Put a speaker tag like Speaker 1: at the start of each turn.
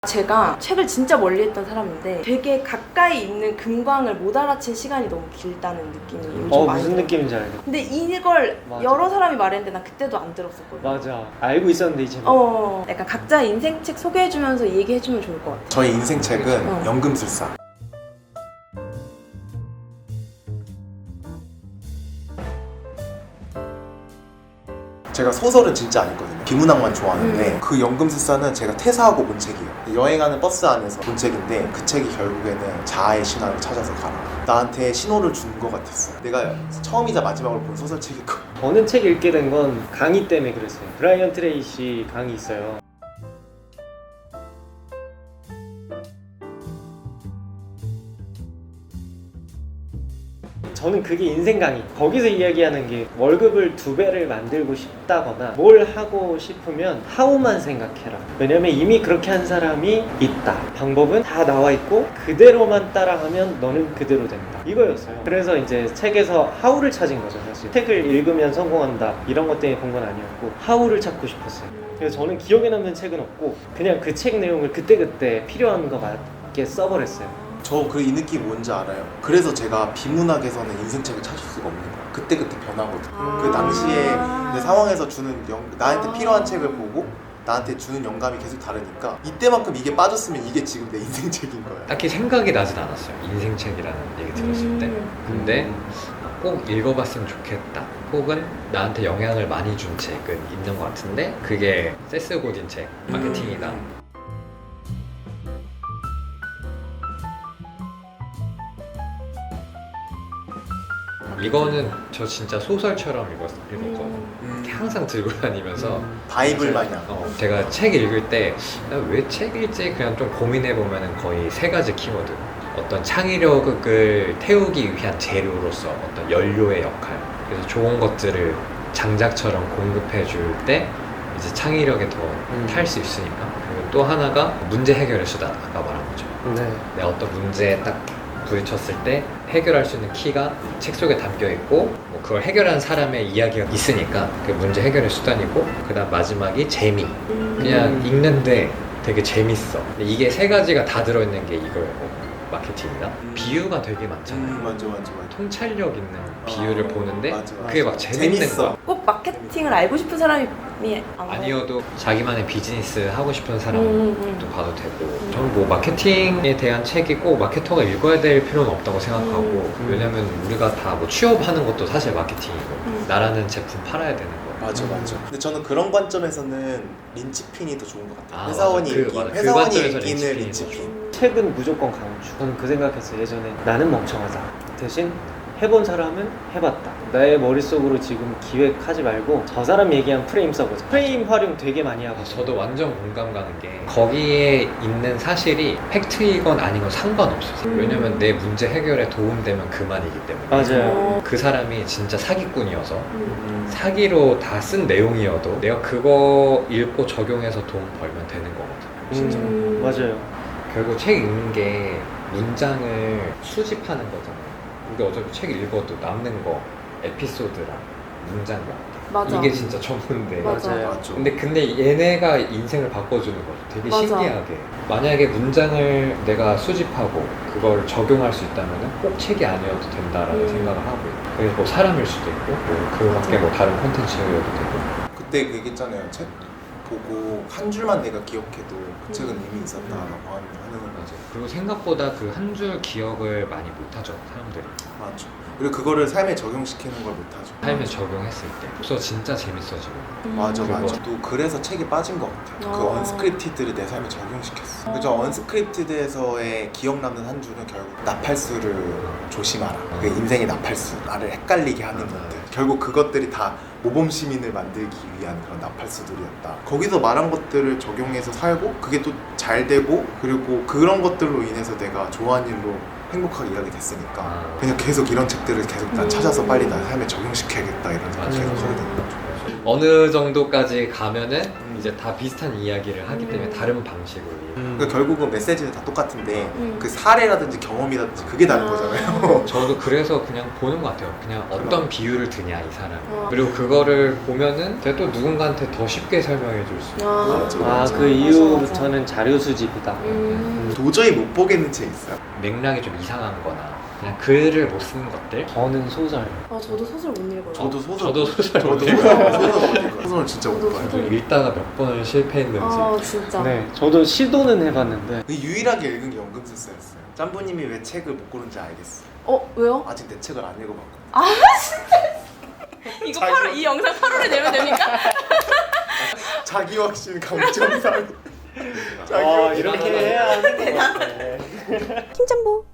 Speaker 1: 제가 책을 진짜 멀리 했던 사람인데 되게 가까이 있는 금광을 못 알아챈 시간이 너무 길다는 느낌이 요즘 많이
Speaker 2: 무슨
Speaker 1: 들어요.
Speaker 2: 느낌인지 알겠어.
Speaker 1: 근데 이걸
Speaker 2: 맞아.
Speaker 1: 여러 사람이 말했는데 나 그때도 안 들었었거든.
Speaker 2: 맞아. 알고 있었는데 이제
Speaker 1: 약간 각자의 인생책 소개해주면서 얘기해주면 좋을 것 같아.
Speaker 3: 저의 인생책은 연금술사. 제가 소설은 진짜 안 읽거든요. 비문학만 좋아하는데 그 연금술사는 제가 퇴사하고 본 책이에요. 여행하는 버스 안에서 본 책인데 그 책이 결국에는 자아의 신화를 찾아서 가라. 나한테 신호를 준 것 같았어요. 내가 처음이자 마지막으로 본 소설책일 거예요.
Speaker 2: 저는 책 읽게 된 건 강의 때문에 그랬어요. 브라이언 트레이시 강의 있어요. 저는 그게 인생 강의. 거기서 이야기하는 게 월급을 2배를 만들고 싶다거나 뭘 하고 싶으면 하우만 생각해라. 왜냐면 이미 그렇게 한 사람이 있다. 방법은 다 나와 있고 그대로만 따라하면 너는 그대로 된다. 이거였어요. 그래서 이제 책에서 하우를 찾은 거죠, 사실. 책을 읽으면 성공한다. 이런 것 때문에 본 건 아니었고 하우를 찾고 싶었어요. 그래서 저는 기억에 남는 책은 없고 그냥 그 책 내용을 그때그때 필요한 거 맞게 써버렸어요.
Speaker 3: 저 그 이 느낌 뭔지 알아요. 그래서 제가 비문학에서는 인생책을 찾을 수가 없는 거예요. 그때그때 변하거든. 그 당시에 내 상황에서 주는 나한테 필요한 책을 보고 나한테 주는 영감이 계속 다르니까 이때만큼 이게 빠졌으면 이게 지금 내 인생책인 거예요.
Speaker 4: 딱히 생각이 나진 않았어요. 인생책이라는 얘기 들었을 때. 근데 꼭 읽어봤으면 좋겠다. 혹은 나한테 영향을 많이 준 책은 있는 것 같은데 그게 세스 고딘 책, 마케팅이다. 이거는 저 진짜 소설처럼 읽었거든요. 항상 들고 다니면서
Speaker 3: 바이블 마냥.
Speaker 4: 제가 책 읽을 때 왜 책 읽지 그냥 좀 고민해보면 거의 3가지 키워드. 어떤 창의력을 태우기 위한 재료로서 어떤 연료의 역할. 그래서 좋은 것들을 장작처럼 공급해 줄 때 이제 창의력에 더 탈 수 있으니까. 그리고 또 하나가 문제 해결의 수단. 아까 말한 거죠.
Speaker 2: 네.
Speaker 4: 내가 어떤 문제에 딱 부딪혔을 때 해결할 수 있는 키가 책 속에 담겨 있고 뭐 그걸 해결한 사람의 이야기가 있으니까 그게 문제 해결의 수단이고 그다음 마지막이 재미. 그냥 읽는데 되게 재밌어. 근데 이게 3가지가 다 들어있는 게 이거예요. 마케팅이나 비유가 되게 많잖아요.
Speaker 3: 맞아.
Speaker 4: 통찰력 있는 비유를 보는데
Speaker 3: 맞아.
Speaker 4: 그게 막 재밌는
Speaker 3: 재밌어.
Speaker 4: 거야.
Speaker 1: 꼭 마케팅을 알고 싶은 사람이
Speaker 4: 아니어도 자기만의 비즈니스 하고 싶은 사람도 봐도 되고 저는 뭐 마케팅에 대한 책이 꼭 마케터가 읽어야 될 필요는 없다고 생각하고 왜냐면 우리가 다 뭐 취업하는 것도 사실 마케팅이고 나라는 제품 팔아야 되는 거.
Speaker 3: 맞아. 근데 저는 그런 관점에서는 린치핀이 더 좋은 것 같아요.
Speaker 4: 아,
Speaker 3: 회사원이
Speaker 4: 맞아.
Speaker 3: 이기는
Speaker 4: 그 관점에서
Speaker 3: 린치핀.
Speaker 4: 린치핀이
Speaker 2: 책은 무조건 강추. 저는 그 생각했어요. 예전에 나는 멍청하다. 대신 해본 사람은 해봤다. 나의 머릿속으로 지금 기획하지 말고 저 사람 얘기한 프레임 써보자. 프레임 활용 되게 많이 하고.
Speaker 4: 저도 완전 공감 가는 게 거기에 있는 사실이 팩트이건 아닌 건 상관없어요. 왜냐면 내 문제 해결에 도움되면 그만이기 때문에.
Speaker 2: 맞아요.
Speaker 4: 그 사람이 진짜 사기꾼이어서 사기로 다 쓴 내용이어도 내가 그거 읽고 적용해서 돈 벌면 되는 거거든요. 진짜.
Speaker 2: 맞아요.
Speaker 4: 결국 책 읽는 게 문장을 수집하는 거잖아요. 우리 어차피 책 읽어도 남는 거 에피소드랑 문장이
Speaker 1: 맞아.
Speaker 4: 이게 진짜 전부인데
Speaker 2: 맞아요.
Speaker 4: 근데 얘네가 인생을 바꿔주는 거죠. 되게
Speaker 1: 맞아.
Speaker 4: 신기하게. 만약에 문장을 내가 수집하고 그걸 적용할 수 있다면 꼭 책이 아니어도 된다라는 생각을 하고 있고 그게 뭐 사람일 수도 있고 뭐 그 밖에 뭐 다른 콘텐츠여도 되고.
Speaker 3: 그때 그 얘기했잖아요. 책 보고 한 줄만 내가 기억해도 그 책은 이미 있었다라고 하는 걸.
Speaker 4: 맞아요. 그리고 생각보다 그 한 줄 기억을 많이 못하죠, 사람들이.
Speaker 3: 맞죠. 그리고 그거를 삶에 적용시키는 걸 못하죠.
Speaker 4: 삶에 적용했을 때. 그래서 진짜 재밌어지고.
Speaker 3: 맞아.
Speaker 4: 그거.
Speaker 3: 또 그래서 책에 빠진 것 같아요. 그
Speaker 1: 아.
Speaker 3: 언스크립티드를 내 삶에 적용시켰어. 그죠? 언스크립티드에서의 기억 남는 한 줄은 결국 나팔수를 조심하라. 그 인생의 나팔수. 나를 헷갈리게 하는 것들. 결국 그것들이 다 모범 시민을 만들기 위한 그런 나팔수들이었다. 거기서 말한 것들을 적용해서 살고 그게 또 잘 되고 그리고 그런 것들로 인해서 내가 좋아하는 일로 행복하게 일하게 됐으니까 그냥 계속 이런 책들을 계속 난 찾아서 빨리 나 삶에 적용시켜야겠다 이런 생각 계속 하게 되는 거죠.
Speaker 4: 어느 정도까지 가면은 이제 다 비슷한 이야기를 하기 때문에 다른 방식으로
Speaker 3: 그러니까 결국은 메시지는 다 똑같은데 그 사례라든지 경험이라든지 그게 다른 거잖아요.
Speaker 4: 저도 그래서 그냥 보는 것 같아요. 그냥 어떤 비유를 드냐 이 사람. 그리고 그거를 보면은 제가 또 누군가한테 더 쉽게 설명해 줄 수 있고
Speaker 2: 그 이후부터는 자료 수집이다.
Speaker 3: 도저히 못 보겠는 책 있어요.
Speaker 4: 맥락이 좀 이상한 거나 그냥 글을 못 쓰는 것들.
Speaker 2: 저는 소설.
Speaker 1: 저도 소설 못 읽어요.
Speaker 3: 저도 소설
Speaker 4: 저도 소설 못
Speaker 3: 저도
Speaker 4: 읽어요.
Speaker 3: 소설 진짜 못
Speaker 1: 저도
Speaker 3: 봐요.
Speaker 1: 소설
Speaker 4: 읽다가 몇 번을 실패했는지.
Speaker 1: 진짜.
Speaker 2: 네, 저도 시도는 해봤는데
Speaker 3: 유일하게 읽은 게 연금술사였어요. 짬보님이 왜 책을 못 고른지 알겠어.
Speaker 1: 왜요?
Speaker 3: 아직 내 책을 안 읽어봤거든.
Speaker 1: 이거 이 영상 8월에 내면 됩니까?
Speaker 3: 자기 확신 감정상.
Speaker 2: 이렇게 해야 하는 것 같아.
Speaker 1: 킹짬보.